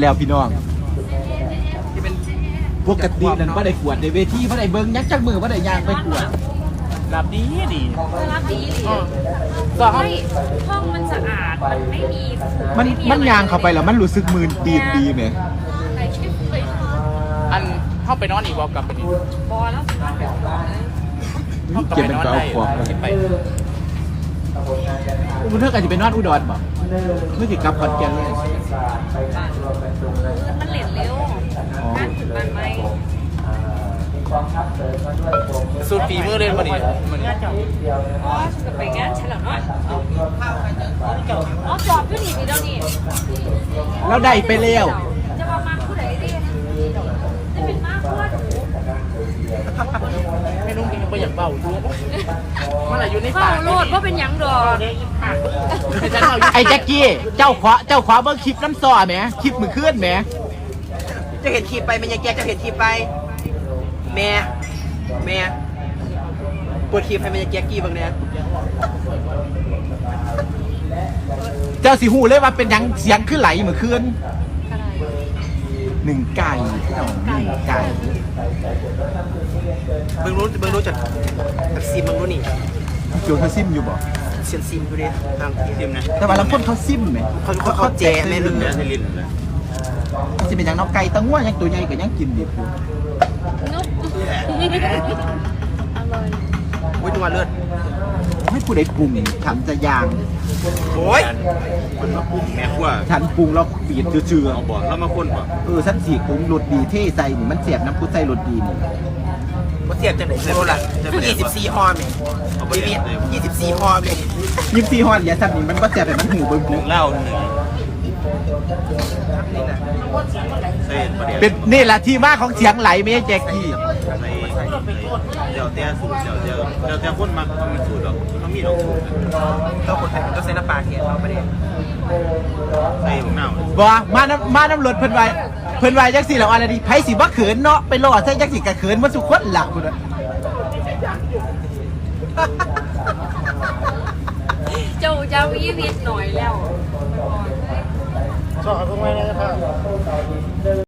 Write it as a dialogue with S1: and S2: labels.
S1: แล้วพี่น้อง
S2: ที่เป็น
S1: ปกตินั่นบ่ได้กวดในเวทีบ่ได้เบิ่งยักจักมือบ่ได้ย่างไปกวด
S3: หลับดีดี
S4: รับดีดิ
S3: ก็ห้อง
S4: ห้องมันสะอาด มันไม่มี
S1: มันย่างเข้าไปแล้วมันรู้สึกมืนตีนดีไหม
S4: ใครคิดไปนอน
S3: อันเข้าไปนอนอีกบอกกลับไปนี่
S4: บอแล้วนอนแบบนั้นเลย
S1: เก็บเป็นก็เอาของ
S3: เก็บไป
S1: อุเธอก็จะไปนอนอุดรบ่เมื่อสิกลับขอนแก่นเลย
S4: มันเหลนเร็วการถึงบ้านไหม
S3: สูตรฝีมือเล่นมาดิมัน
S4: อ๋อฉันจะไปงานฉันเหรอเนาะอ๋อจอบอยู่นี่พี่เดี๋ยวนี้
S1: แล้วได้ไปแล้ว
S4: จะมามาผู้ใดดิจะเป็นมาผู้หนู
S3: ไม่นุ่งกินไปอย่างเบาอยู่มันอะไรอยู่ใน
S4: เฝ้า
S3: ปาก
S4: โลดว่าเป็นหยังดอก
S1: ไอ้แจ็คกี้เจ้าขวาเบิ่งคลิปน้ำซอแหมคลิปมือเคลื่อนแหม
S2: จะเห็นคลิปไปมันยังแกจะเห็นคลิปไปแม่ปวดคลิปให้มันยังแกกี้บางเนี่ย
S1: เจ้าสิหูเลยว่าเป็นหยังเสียงขึ้นไหลมือเคลื่อนหนึ่งไก่พี่น้องหนึ่งไก่
S2: เบิ่งรู้จักซิมเบิ่งรู้นี่
S1: โจเขาซิมอยู่บ่
S2: เซียนซิมดูดิทางซิมนะ
S1: แต่ว่าลำพ้นเขาซิมไหม
S2: เขาแจกแม่ลืม
S1: จะเป็นอย่างน้องไก่ตั้งว่ายังตัวใหญ่ก็ยังกินดิบอยู่
S4: นุ๊กอร่อย
S2: อุ้ยนัวเลือด
S1: ให้ผู้ใดปรุงฉันจะย่าง
S2: โอ้ย
S5: มันมาปรุงแม่ครัว
S1: ฉันปรุงแล้วปีดเชื่อ
S5: เอาบ่แล้วมาคนบ่
S1: ฉันสีปรุงรสดีเท่ใส่นี่มันเสียบน้ำพุใส่รสดีนี่
S2: เขาเทียบจังไหนโซล่ะ24ฮอมเนี่ย24ฮอมเลย
S1: ยิบซีฮอนอย่าสั่นนี่มันก็เสียบแต่มันหูเบิ่ง
S5: หนึ่งเหล้าหนึ่งเส้นประเดี๋ยว
S1: เป็นนี่แหละที่มาของเสียงไหลไม่ใช่แจ็คกี้
S5: ในเดี๋ยวแต่สูตรเดี๋ยวแต่คนมักมีสูตรหรอกเขามีหรอกสูตร
S2: ต้องคนไทยต้องใส่น้ำปลาเทียมเราไม่ได้
S5: ใส่ของเน่า
S1: บ่มาน้ำรถเพิ่นไว้จังสิแล้วอะไรดิไผสิบ่เขินเนาะไปรอใส่จังสิกะเขินบ่สุคนหลักพุ่นน่ะ
S4: เจ้าเจ้าอีวิทหน่อยแล้ว
S3: ชอบเอาพวกไว้นะครับ